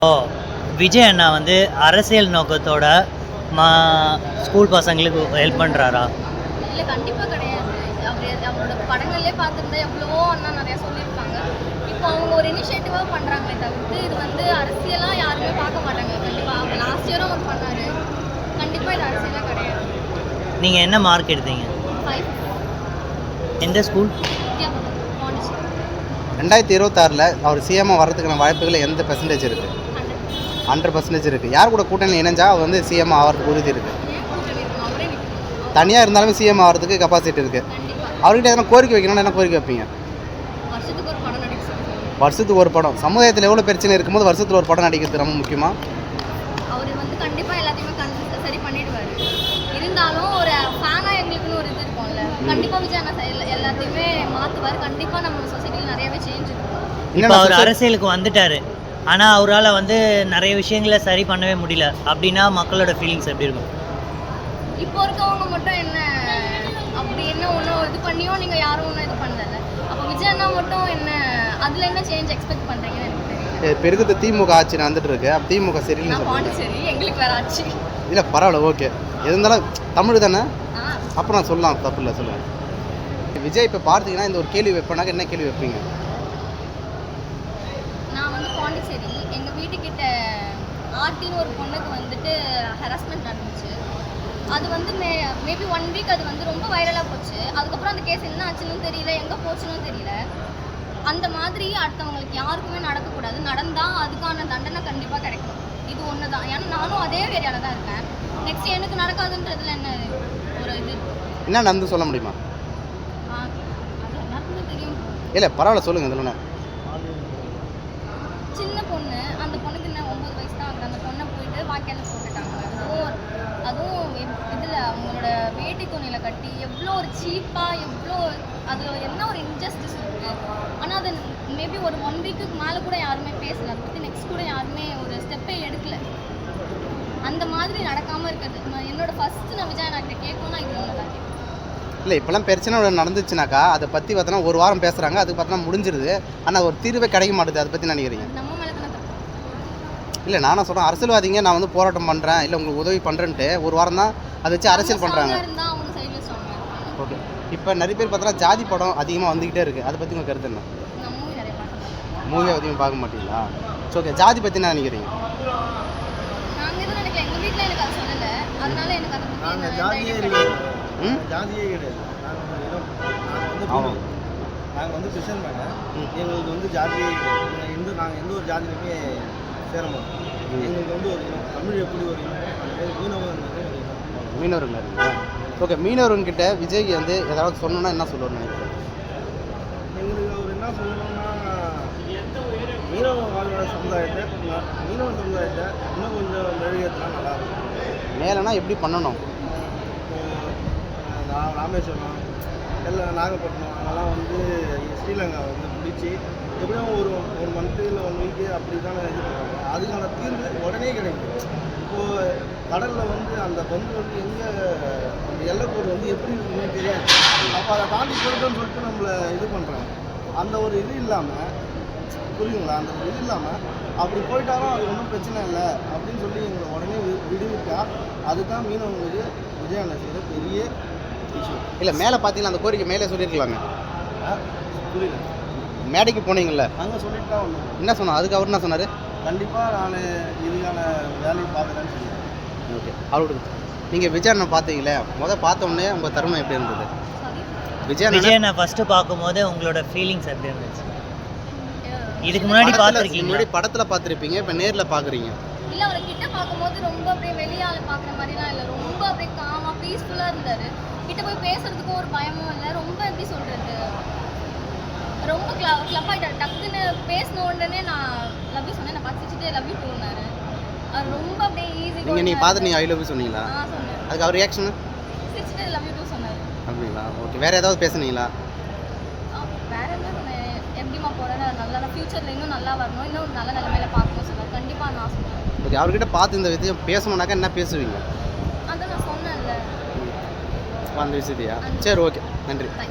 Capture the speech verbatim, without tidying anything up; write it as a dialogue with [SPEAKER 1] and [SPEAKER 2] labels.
[SPEAKER 1] ஓ விஜய் அண்ணா வந்து அரசியல் நோக்கத்தோட மா ஸ்கூல் பசங்களுக்கு ஹெல்ப் பண்ணுறாரா?
[SPEAKER 2] இல்லை, கண்டிப்பாக கிடையாது. அவர் அவரோட படங்கள்லேயே பார்த்துருந்தா எவ்வளவோ அண்ணா நிறையா சொல்லியிருக்காங்க. இப்போ அவங்க ஒரு இனிஷியேட்டிவாக பண்ணுறாங்களே தவிர்த்து இது வந்து அரசியலாக யாருமே பார்க்க மாட்டாங்க. கண்டிப்பாக அவங்க லாஸ்ட் இயரும் அவர் பண்ணார். கண்டிப்பாக இது அரசியலாக கிடையாது.
[SPEAKER 1] நீங்கள் என்ன மார்க் எடுத்தீங்க?
[SPEAKER 2] ஃபைவ்.
[SPEAKER 1] எந்த ஸ்கூல்?
[SPEAKER 2] வித்யாபுரம், பாண்டிச்சேரி.
[SPEAKER 3] ரெண்டாயிரத்தி இருபத்தாறில் அவர் சிஎம்மாக வர்றதுக்கான வாய்ப்புகள் எந்த பெர்சன்டேஜ் இருக்குது?
[SPEAKER 2] ஹண்ட்ரட்.
[SPEAKER 3] ஹண்ட்ரட் பர்சன்டேஜ் இருக்குது. யார் கூட கூட்டணி இணைஞ்சா அவர் வந்து சிஎம் ஆகிறதுக்கு உறுதி இருக்குது.
[SPEAKER 2] ஏன் கூட்டணி இருக்கணும்? அவரே நிற்கணும்.
[SPEAKER 3] தனியாக இருந்தாலுமே சிஎம் ஆகிறதுக்கு கெப்பாசிட்டி இருக்குது.
[SPEAKER 2] கண்டிப்பாக
[SPEAKER 3] அவர்கிட்ட எதனா கோரிக்கை வைக்கணும்னு என்ன கோரிக்கை வைப்பீங்க?
[SPEAKER 2] வருஷத்துக்கு ஒரு படம் நடிக்க சொல்லுவாங்க.
[SPEAKER 3] வருஷத்துக்கு ஒரு படம். சமுதாயத்தில் எவ்வளோ பிரச்சனை இருக்கும்போது வருஷத்தில் ஒரு படம் நடிக்கிறது ரொம்ப முக்கியமாக.
[SPEAKER 2] அவர் வந்து கண்டிப்பாக எல்லாத்தையுமே கண் சரி பண்ணிடுவார். இருந்தாலும் ஒரு ஃபேனாக எங்களுக்குன்னு ஒரு இது இருக்கும்ல. கண்டிப்பாக விஜய் அண்ணா எல்லா- எல்லாத்தையுமே மாற்றுவார். கண்டிப்பாக நம்ம சொசைட்டியில் நிறையவே சேஞ்ச் இருக்கும்.
[SPEAKER 1] இப்போ அவர் அரசியலுக்கு வந்துட்டாரு, ஆனால் அவரால் வந்து நிறைய விஷயங்களை சரி பண்ணவே முடியல அப்படின்னா மக்களோட ஃபீலிங்ஸ் எப்படி இருக்கும்?
[SPEAKER 2] இப்போ இருக்கவங்க மட்டும் என்ன அப்படி என்ன ஒன்றும் இது பண்ணியும் நீங்கள் யாரும் ஒன்றும் இது பண்ணல. அப்போ விஜய் அண்ணா மட்டும் என்ன அதில் என்ன சேஞ்ச் எக்ஸ்பெக்ட் பண்ணுறீங்கன்னு எனக்கு தெரியல.
[SPEAKER 3] இப்போ இருக்கிறது திமுக ஆட்சி நடந்துட்டு இருக்கு. அப்போ திமுக சரியில்லைன்னு
[SPEAKER 2] நான்
[SPEAKER 3] சொல்லுங்கள்.
[SPEAKER 2] பாண்டிச்சேரி, எங்களுக்கு வேற ஆச்சு.
[SPEAKER 3] இல்லை பரவாயில்ல, ஓகே. எது இருந்தாலும் தமிழ் தானே,
[SPEAKER 2] ஆ
[SPEAKER 3] அப்புறம் நான் சொல்லலாம், தப்பு இல்லை, சொல்லுங்கள். விஜய் இப்போ பார்த்தீங்கன்னா இந்த ஒரு கேள்வி வைப்பேனாக்க என்ன கேள்வி வைப்பீங்க?
[SPEAKER 2] நான் வந்து பாண்டிச்சேரி, எங்கள் வீட்டுக்கிட்ட ஆர்டின்னு ஒரு பொண்ணுக்கு வந்துட்டு ஹராஸ்மெண்ட் நடந்துச்சு. அது வந்து மே மேபி ஒன் வீக் அது வந்து ரொம்ப வைரலாக போச்சு. அதுக்கப்புறம் அந்த கேஸ் என்ன ஆச்சுன்னு தெரியல, எங்கே போச்சுன்னு தெரியல. அந்த மாதிரி அடுத்தவங்களுக்கு யாருக்குமே நடக்கக்கூடாது. நடந்தால் அதுக்கான தண்டனை கண்டிப்பாக கிடைக்கும். இது ஒன்று தான். ஏன்னா நானும் அதே ஏரியாவில் தான் இருக்கேன். நெக்ஸ்ட் எனக்கு நடக்காதுன்றதுல என்ன ஒரு இது
[SPEAKER 3] என்ன நடந்து சொல்ல முடியுமா?
[SPEAKER 2] ஆ, அது எல்லாருக்குமே தெரியும்.
[SPEAKER 3] இல்லை பரவாயில்ல, சொல்லுங்கள். இதில் என்ன?
[SPEAKER 2] சின்ன பொண்ணு, அந்த பொண்ணுக்கு இன்னும் ஒம்பது வயசு தான் ஆகுது. அந்த பொண்ணை போயிட்டு வாய்க்கால போட்டுட்டாங்க. அதுவும் அதுவும் இதில் அவங்களோட வேட்டி துணியில் கட்டி எவ்வளோ ஒரு சீப்பாக, எவ்வளோ அதில் என்ன ஒரு இன்ஜஸ்டிஸ் இருக்குது. ஆனால் அது மேபி ஒரு ஒன் வீக்குக்கு மேலே கூட யாருமே பேசலை. அதை பற்றி நெக்ஸ்ட் கூட யாருமே ஒரு ஸ்டெப்பே எடுக்கலை. அந்த மாதிரி நடக்காமல் இருக்கிறது நான் என்னோட ஃபஸ்ட்டு நான் விஜய் அண்ணா கிட்ட கேட்கணும்னா இது ஒன்று தான் கேட்கணும்.
[SPEAKER 3] இல்லை இப்போலாம் பிரச்சனை நடந்துச்சுனாக்கா அதை பற்றி பார்த்தோன்னா ஒரு வாரம் பேசுகிறாங்க, அதுக்கு பார்த்தோன்னா முடிஞ்சிருது. ஆனால் ஒரு தீர்வே கிடைக்க மாட்டுது. அதை பற்றி நினைக்கிறீங்க?
[SPEAKER 2] அது நம்ம மேலே தானே தப்பு.
[SPEAKER 3] இல்லை நானும் சொல்கிறேன், அரசியல்வாதிங்க நான் வந்து போராட்டம் பண்ணுறேன், இல்லை உங்களுக்கு உதவி பண்ணுறேன்ட்டு ஒரு வாரம் தான் அதை வச்சு அரசியல் பண்ணுறாங்க.
[SPEAKER 2] இருந்தால் அவங்க சைடில் ஸ்ட்ராங்காக இருப்பாங்க.
[SPEAKER 3] ஓகே. இப்போ நிறைய பேர் பார்த்தோன்னா ஜாதி படம் அதிகமாக வந்துக்கிட்டே இருக்குது. அதை பற்றி உங்கள் கருத்து என்ன?
[SPEAKER 2] நான் மூவி நிறைய பார்க்கணும்.
[SPEAKER 3] மூவி அதிகமாக பார்க்க மாட்டீங்களா? ஸோ ஓகே, ஜாதி பற்றி என்ன நினைக்கிறீங்க?
[SPEAKER 2] நாங்கள் எதுவும் நினைக்கல. எங்கள் வீட்டில் எனக்கு அது சொல்லலை. அதனால எனக்கு அதை பற்றி
[SPEAKER 4] நாங்கள்
[SPEAKER 2] எந்த
[SPEAKER 4] ஜாதியே
[SPEAKER 2] idea
[SPEAKER 4] கிடையாது.
[SPEAKER 3] ம்
[SPEAKER 4] ஜாதியே கிடையாது. நாங்கள் வந்து இனம். நாங்கள் வந்து
[SPEAKER 3] ஆமாம்.
[SPEAKER 4] பிரிவு. நாங்கள் வந்து கிறிஸ்டின் மேலே
[SPEAKER 3] ம்.
[SPEAKER 4] எங்களுக்கு வந்து ஜாதியே கிடையாது. நாங்கள் எந்த நாங்கள் எந்த ஒரு ஜாதியிலுமே சேர மாட்டோம்.
[SPEAKER 3] ம்.
[SPEAKER 4] எங்களுக்கு வந்து ஒரு இனம். தமிழ் எப்படி ஒரு இனம், அது மாதிரி மீனவங்கிறது ஒரு இனம்.
[SPEAKER 3] மீனவர்கள் இருக்கீங்களா? ஓகே. மீனவர்கிட்ட விஜய்க்கு வந்து ஏதாவது சொன்னோன்னா என்ன சொல்லுவார்னு நினைக்கிறேன்?
[SPEAKER 4] எங்களுக்கு அவர் என்ன சொல்லணும்னா, மீனவ வாழ்வாழ சமுதாயத்தை ம- மீனவ சமுதாயத்தை இன்னும் கொஞ்சம் மெழுகேற்றினா நல்லாயிருக்கும்.
[SPEAKER 3] மேலேனா எப்படி பண்ணணும்?
[SPEAKER 4] இப்போ ரா- ராமேஸ்வரம், எல்லாம் நாகப்பட்டினம் அங்கெல்லாம் வந்து ஸ்ரீலங்கா வந்து பிடிச்சி எப்படியும் ஒரு ஒரு மந்த்து இல்லை ஒன் வீக்கு அப்படி தானே இது பண்ணுறாங்க. அதுக்கான தீர்வு உடனே கிடைக்கும். இப்போது கடலில் வந்து அந்த பந்து வந்து எங்கே அந்த எல்லைக்கோடு வந்து எப்படி இருக்குன்னு தெரியாது. அப்போ அதை தாண்டி போயிட்டோன்னு சொல்லிட்டு நம்மளை இது பண்ணுறாங்க. அந்த ஒரு இது இல்லாமல், புரியுங்களா, அந்த ஒரு இது இல்லாமல் அப்படி போயிட்டாலும் அது ஒன்றும் பிரச்சனை இல்லை அப்படின்னு சொல்லி எங்களை உடனே வி- விடுவிட்டா அதுதான் மீனவங்களுக்கு விஜய் அண்ணா செய்கிற பெரிய விஷயம்.
[SPEAKER 3] இல்லை மேலே பார்த்தீங்கன்னா அந்த கோரிக்கை மேலே சொல்லியிருக்கலாங்க.
[SPEAKER 4] ஆ, புரியல.
[SPEAKER 3] மேடைக்கு போனீங்கல்ல,
[SPEAKER 4] அங்கே சொல்லிட்டு தான் ஒன்று
[SPEAKER 3] என்ன சொன்னார்? அதுக்கு அவர் என்ன சொன்னார்?
[SPEAKER 4] கண்டிப்பாக நான் இதுக்கான வேலையை பார்க்குறேன்னு சொன்னேன்.
[SPEAKER 3] ஓகே. அவரோட நீங்கள் விஜய் அண்ணன் பார்த்தீங்களே, முதல் பார்த்த உடனே உங்கள் தருணம் எப்படி இருந்தது?
[SPEAKER 2] சாரி.
[SPEAKER 3] விஜய் அண்ணன்
[SPEAKER 1] விஜய் அண்ணா ஃபஸ்ட்டு பார்க்கும்போது உங்களோட ஃபீலிங்ஸ் எப்படி இருந்துச்சு? இதுக்கு முன்னாடி
[SPEAKER 3] படத்துல-
[SPEAKER 1] பார்த்துருக்கீங்களா?
[SPEAKER 3] முன்னாடி படத்தில் பார்த்துருப்பீங்க, இப்போ நேரில் பார்க்குறீங்க.
[SPEAKER 2] இல்லை, அவரை கிட்ட பார்க்கும்போது ரொம்ப அப்படியே வெளியால் பார்க்குற மாதிரிலாம் இல்லை. ரொம்ப அப்படியே காமாக பீஸ்ஃபுல்லாக இருந்தார். கிட்ட போய் பேசுறதுக்கும் ஒரு பயமும் இல்லை. ரொம்ப எப்படி சொல்கிறது, ரொம்ப கிள கிளப் ஆகிட்டார். டக்குன்னு பேசின உடனே நான் லவ் யூ சொன்னேன். நான் பார்த்துட்டு லவ் யூ டூனாரு. அவர் ரொம்ப அப்படியே ஈஸி.
[SPEAKER 3] நீங்கள் நீங்கள் பார்த்து நீங்கள் ஐ லவ் யூ சொன்னீங்களா?
[SPEAKER 2] ஆ சொன்னேன்.
[SPEAKER 3] அதுக்கு அவர் ரியாக்ஷனு
[SPEAKER 2] சிரிச்சுட்டு லவ் யூ டூ சொன்னார்.
[SPEAKER 3] அப்படிங்களா? ஓகே. வேறு ஏதாவது பேசுனீங்களா?
[SPEAKER 2] வேற என்ன சொன்னேன், எப்படிமா போகிறேன்னு நல்லா ஃப்யூச்சரில் இன்னும் நல்லா வரணும், இன்னும் நல்ல நிலைமையில பார்க்கணும் சொன்னார். கண்டிப்பாக நான் சொன்னேன்.
[SPEAKER 3] ஓகே. அவர்கிட்ட பார்த்து இந்த விஷயம் பேசணுன்னாக்கா என்ன பேசுவீங்க?
[SPEAKER 2] அதான் நான் சொன்னேன்ல.
[SPEAKER 3] அந்த விஷயத்தையா? சரி, ஓகே, நன்றி.